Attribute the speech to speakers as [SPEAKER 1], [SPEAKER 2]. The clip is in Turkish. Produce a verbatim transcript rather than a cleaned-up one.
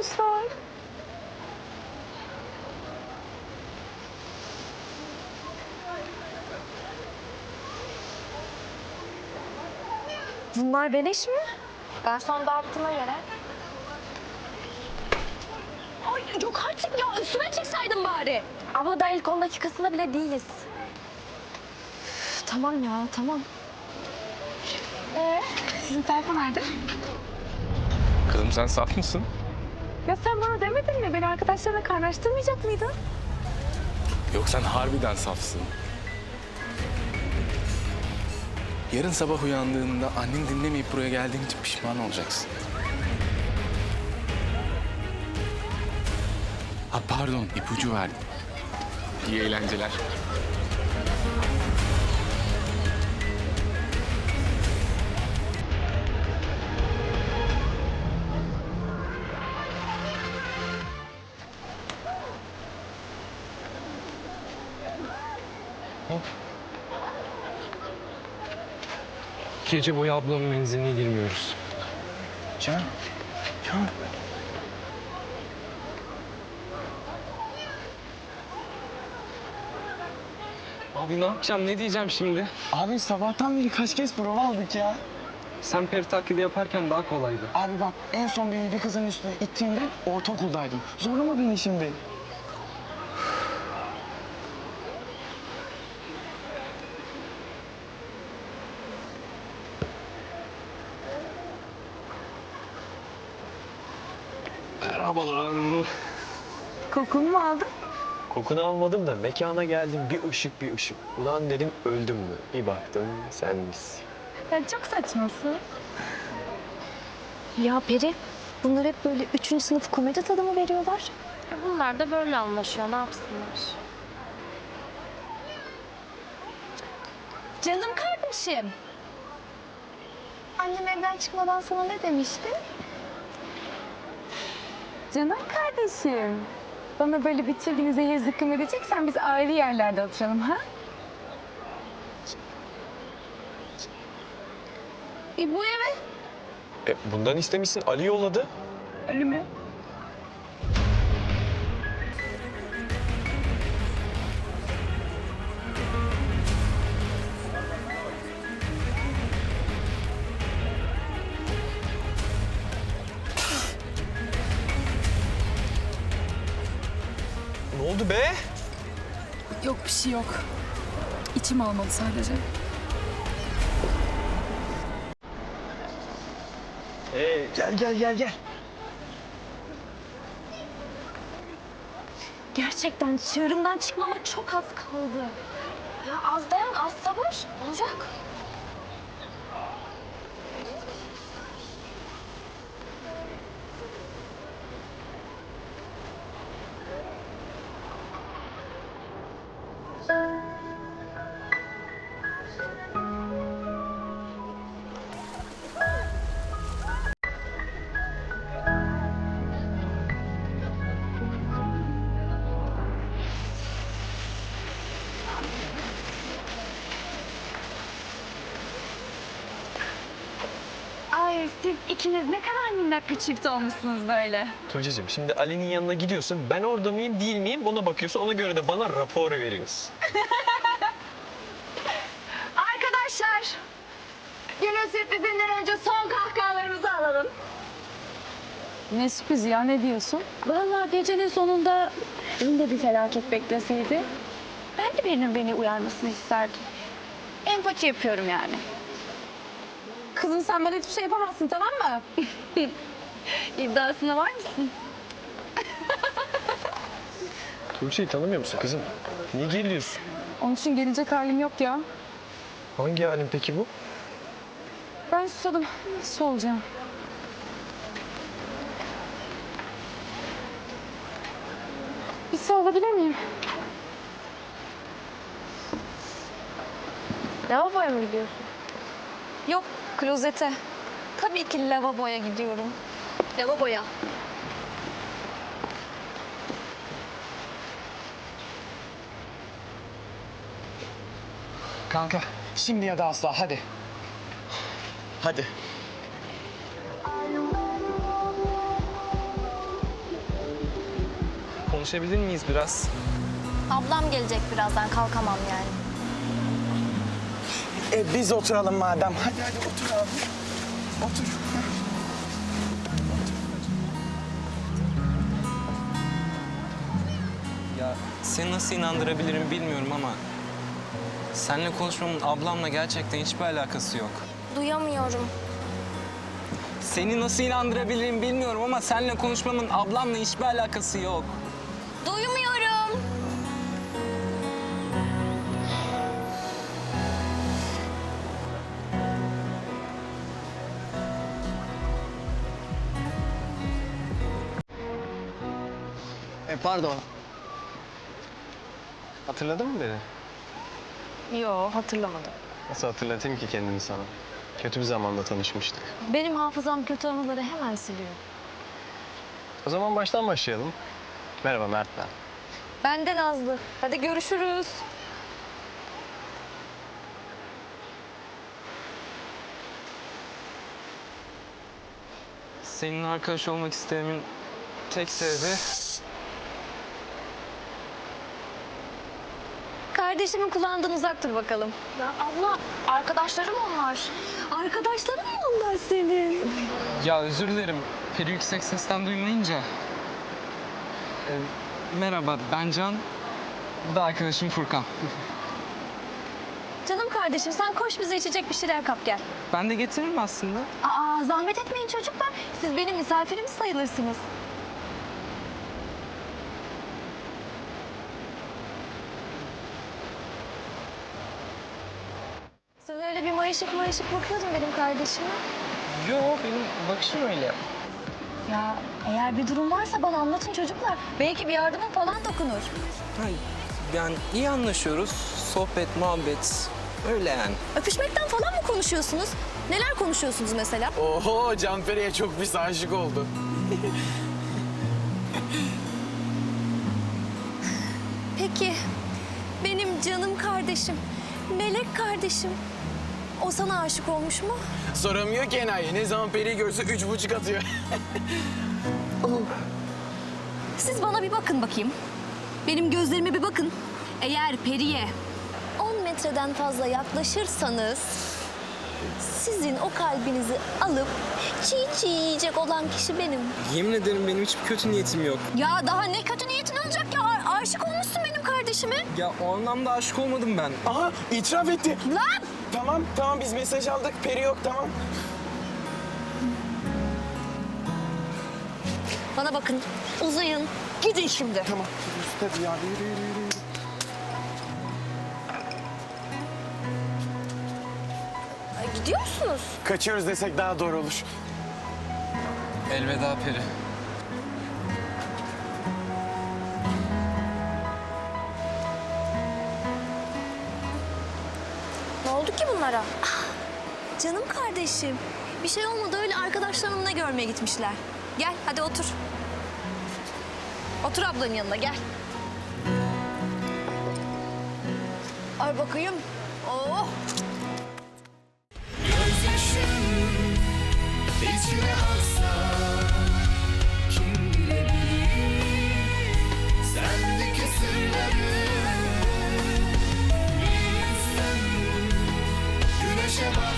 [SPEAKER 1] koymuşlar. Bunlar beleş mi? Garson dağıttığına göre. Ay yok artık ya, üstüme çıksaydın bari. Ama daha ilk on dakikasında bile değiliz. Üf, tamam ya, tamam. Ee, sizin telefon nerede?
[SPEAKER 2] Kızım sen saf mısın?
[SPEAKER 1] Ya sen bana demedin mi? Beni arkadaşlarına kaynaştırmayacak mıydın?
[SPEAKER 2] Yok sen harbiden safsın. Yarın sabah uyandığında annen dinlemeyip buraya geldiğin için pişman olacaksın. Ha pardon, ipucu verdim. İyi eğlenceler.
[SPEAKER 3] Gece boyu ablamın menziline girmiyoruz.
[SPEAKER 2] Can, Can.
[SPEAKER 3] Abi ne yapacağım, ne diyeceğim şimdi?
[SPEAKER 4] Abi sabahtan beri kaç kez prova aldık ya.
[SPEAKER 3] Sen peri taklidi yaparken daha kolaydı.
[SPEAKER 4] Abi bak en son beni bir kızın üstüne ittiğinde ortaokuldaydım. Zorlama beni şimdi.
[SPEAKER 3] Merhabalar.
[SPEAKER 1] Kokunu mu aldın?
[SPEAKER 3] Kokunu almadım da mekana geldim, bir ışık bir ışık. Ulan dedim öldüm mü? Bir baktım sen misin.
[SPEAKER 1] Ya çok saçmasın. Ya Peri, bunlar hep böyle üçüncü sınıf komedi tadı mı veriyorlar?
[SPEAKER 5] Bunlar da böyle anlaşıyor. Ne yapsınlar?
[SPEAKER 1] Canım kardeşim. Annem evden çıkmadan sana ne demişti? Canım kardeşim. Bana böyle bütün gün zehir zıkkım edeceksen biz ayrı yerlerde oturalım ha? E bu eve.
[SPEAKER 3] E, bundan istemişsin, Ali yolladı.
[SPEAKER 1] Ali mi?
[SPEAKER 3] Ne oldu be?
[SPEAKER 6] Yok bir şey yok. İçim almadı sadece.
[SPEAKER 3] Ee,
[SPEAKER 4] Gel gel gel gel.
[SPEAKER 1] Gerçekten çığırımdan çıkmama çok az kaldı. Ya az dayan, az sabır. Olacak. Ay siz ikiniz ne kadar minnak bir çift olmuşsunuz böyle.
[SPEAKER 3] Tuğçe'cim şimdi Ali'nin yanına gidiyorsun. Ben orada mıyım değil miyim ona bakıyorsun. Ona göre de bana rapor veriyorsun.
[SPEAKER 1] Arkadaşlar, günün sürprizinden önce son kahkahalarımızı alalım.
[SPEAKER 6] Ne sürpriz ya, ne diyorsun?
[SPEAKER 1] Vallahi gecenin sonunda benim de bir felaket bekleseydi, ben de birinin beni uyarmasını isterdim. Empati yapıyorum yani. Kızım sen bana hiçbir şey yapamazsın, tamam mı? İddiasına var mısın?
[SPEAKER 3] Tuğçe'yi tanımıyor musun kızım? Niye geliyorsun?
[SPEAKER 6] Onun için gelecek halim yok ya.
[SPEAKER 3] Hangi halin peki bu?
[SPEAKER 6] Ben susadım. Su olacağım. Bir su alabilir miyim?
[SPEAKER 1] Lavaboya mı gidiyorsun?
[SPEAKER 6] Yok, klozete. Tabii ki lavaboya gidiyorum.
[SPEAKER 1] Lavaboya.
[SPEAKER 4] Kanka şimdi ya da asla hadi. Hadi.
[SPEAKER 2] konuşabilir miyiz biraz?
[SPEAKER 5] Ablam gelecek birazdan, kalkamam yani.
[SPEAKER 4] E biz oturalım madem. Hadi hadi otur abi. Otur.
[SPEAKER 7] Ya seni nasıl inandırabilirim bilmiyorum ama seninle konuşmamın ablamla gerçekten hiçbir alakası yok.
[SPEAKER 5] Duyamıyorum.
[SPEAKER 7] Seni nasıl inandırabilirim bilmiyorum ama seninle konuşmamın ablamla hiçbir alakası yok.
[SPEAKER 5] Duymuyorum.
[SPEAKER 3] E pardon. Hatırladın mı beni?
[SPEAKER 1] Yo, hatırlamadım.
[SPEAKER 3] Nasıl hatırlatayım ki kendimi sana? Kötü bir zamanda tanışmıştık.
[SPEAKER 1] Benim hafızam kötü anıları hemen siliyor.
[SPEAKER 3] O zaman baştan başlayalım. Merhaba Mert ben.
[SPEAKER 1] Ben de Nazlı. Hadi görüşürüz.
[SPEAKER 7] Senin arkadaş olmak istememin tek sebebi
[SPEAKER 1] Kardeşimin kulağından uzak dur bakalım.
[SPEAKER 5] Ya abla, arkadaşlarım onlar.
[SPEAKER 1] Arkadaşların mı onlar senin?
[SPEAKER 7] ya özür dilerim. Peri yüksek sesten duymayınca. Ee, merhaba ben Can. Bu da arkadaşım Furkan.
[SPEAKER 1] Canım kardeşim sen koş bize içecek bir şeyler kap gel.
[SPEAKER 7] Ben de getiririm aslında.
[SPEAKER 1] Aa zahmet etmeyin çocuklar. Siz benim misafirim sayılırsınız. Sen öyle bir mayışık mayışık bakıyordun benim kardeşime.
[SPEAKER 7] Yok benim bakışım öyle.
[SPEAKER 1] Ya eğer bir durum varsa bana anlatın çocuklar. Belki bir yardımım falan dokunur.
[SPEAKER 7] Ha, yani iyi anlaşıyoruz. Sohbet, muhabbet. Öyle yani.
[SPEAKER 8] Öpüşmekten falan mı konuşuyorsunuz? Neler konuşuyorsunuz mesela?
[SPEAKER 4] Oho Canperi'ye çok pis aşık oldu.
[SPEAKER 8] Peki, benim canım kardeşim, melek kardeşim. O sana aşık olmuş mu?
[SPEAKER 4] Soramıyor ki enayi. Ne zaman Peri'yi görse üç buçuk atıyor.
[SPEAKER 8] Siz bana bir bakın bakayım. Benim gözlerime bir bakın. Eğer Peri'ye on metreden fazla yaklaşırsanız... ...sizin o kalbinizi alıp çiğ çiğ yiyecek olan kişi benim.
[SPEAKER 7] Yemin ederim benim hiçbir kötü niyetim yok.
[SPEAKER 8] Ya daha ne kötü niyetin olacak ya? A- aşık olmuşsun benim kardeşime.
[SPEAKER 7] Ya o anlamda aşık olmadım ben.
[SPEAKER 4] Aha itiraf etti.
[SPEAKER 8] Lan!
[SPEAKER 4] Tamam tamam biz mesaj aldık. Peri yok tamam.
[SPEAKER 8] Bana bakın, uzayın. Gidin şimdi.
[SPEAKER 4] Tamam. Hadi ya yürü yürü yürü.
[SPEAKER 8] Ay, gidiyor musunuz?
[SPEAKER 4] Kaçıyoruz desek daha doğru olur.
[SPEAKER 7] Elveda Peri.
[SPEAKER 8] Ne oldu ki bunlara? Ah, canım kardeşim. Bir şey olmadı, öyle arkadaşlarımla görmeye gitmişler. Gel hadi otur. Otur ablanın yanına gel. Ay bakayım. Oh.
[SPEAKER 9] Gözyaşım içine aksa kim bilebilir sendeki sırları bir yüzden güneşe bak.